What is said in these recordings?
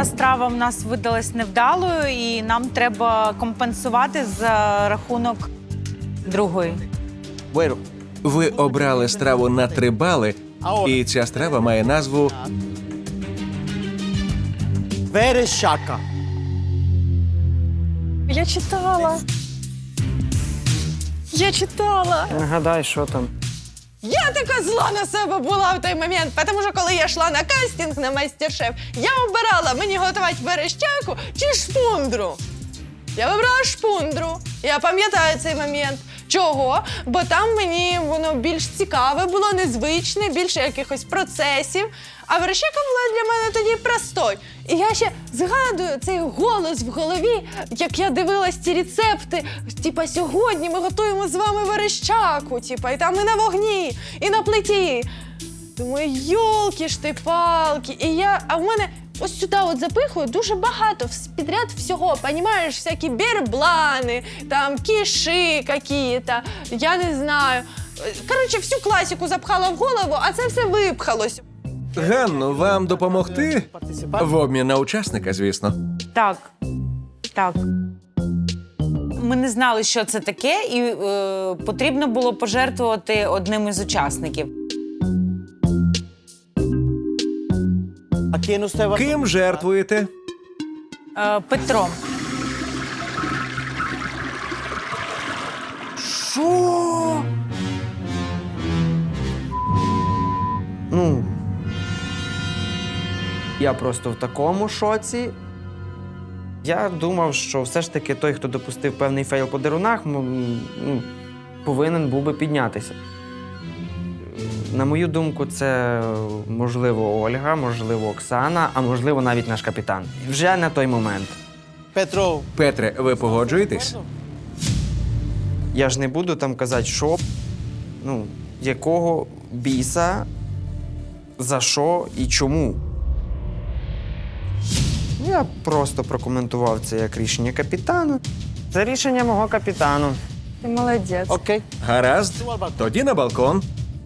ця страва в нас видалась невдалою, і нам треба компенсувати за рахунок другої. Ви обрали страву на 3 бали, і ця страва має назву Верещака. Я читала. Я читала. Нагадай, що там. Я така зла на себе була в той момент, тому що коли я йшла на кастинг на майстер-шеф, я обирала, мені готувати верещаку чи шпундру. Я вибрала шпундру. Я пам'ятаю цей момент. Чого? Бо там мені воно більш цікаве було, незвичне, більше якихось процесів. А верещака була для мене тоді простой. І я ще згадую цей голос в голові, як я дивилась ці рецепти. Типа, сьогодні ми готуємо з вами верещаку, типа, і там і на вогні, і на плиті. Думаю, йолки ж ти палки. А в мене ось сюди от запихую дуже багато підряд всього, понімаєш, всякі берблани, там кіши какие-то, я не знаю. Коротше, всю класику запхала в голову, а це все випхалось. Ганну, вам допомогти? В обмін на учасника, звісно. Так. Так. Ми не знали, що це таке, і потрібно було пожертвувати одним із учасників. Ким жертвуєте? Петром. Що? Ну, я просто в такому шоці. Я думав, що все ж таки той, хто допустив певний фейл по дерунах, повинен був би піднятися. На мою думку, це, можливо, Ольга, можливо, Оксана, а можливо, навіть наш капітан. Вже на той момент. Петре, ви погоджуєтесь? Я ж не буду там казати, що, якого біса, за що і чому. Я просто прокоментував це як рішення капітану. Це рішення мого капітану. Ти молодець. Гаразд. Тоді на балкон.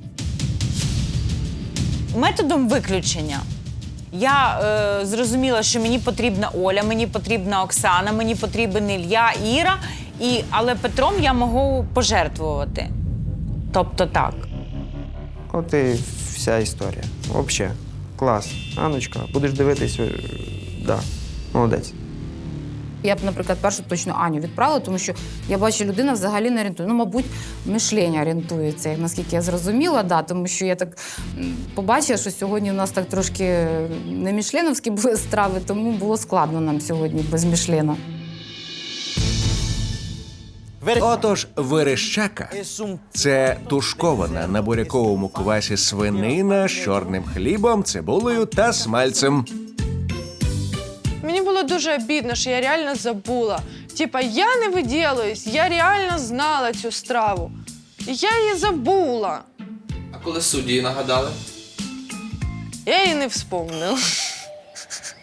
Методом виключення. Я зрозуміла, що мені потрібна Оля, мені потрібна Оксана, мені потрібен Ілля, Іра, але Петром я можу пожертвувати. Тобто так. От і вся історія. Взагалі, клас. Анночка, будеш дивитись, да, молодець. Я б, наприклад, першу точно Аню відправила, тому що я бачу, людина взагалі не орієнтує. Мабуть, мишлення орієнтується, наскільки я зрозуміла, да, тому що я так побачила, що сьогодні у нас так трошки не мішленовські були страви, тому було складно нам сьогодні без мішлена. Отож, верещака – це тушкована на буряковому квасі свинина з чорним хлібом, цибулею та смальцем. Мені було дуже обідно, що я реально забула. Типа, я не виділаюсь, я реально знала цю страву. І я її забула. А коли судді нагадали? Я її не вспомнила.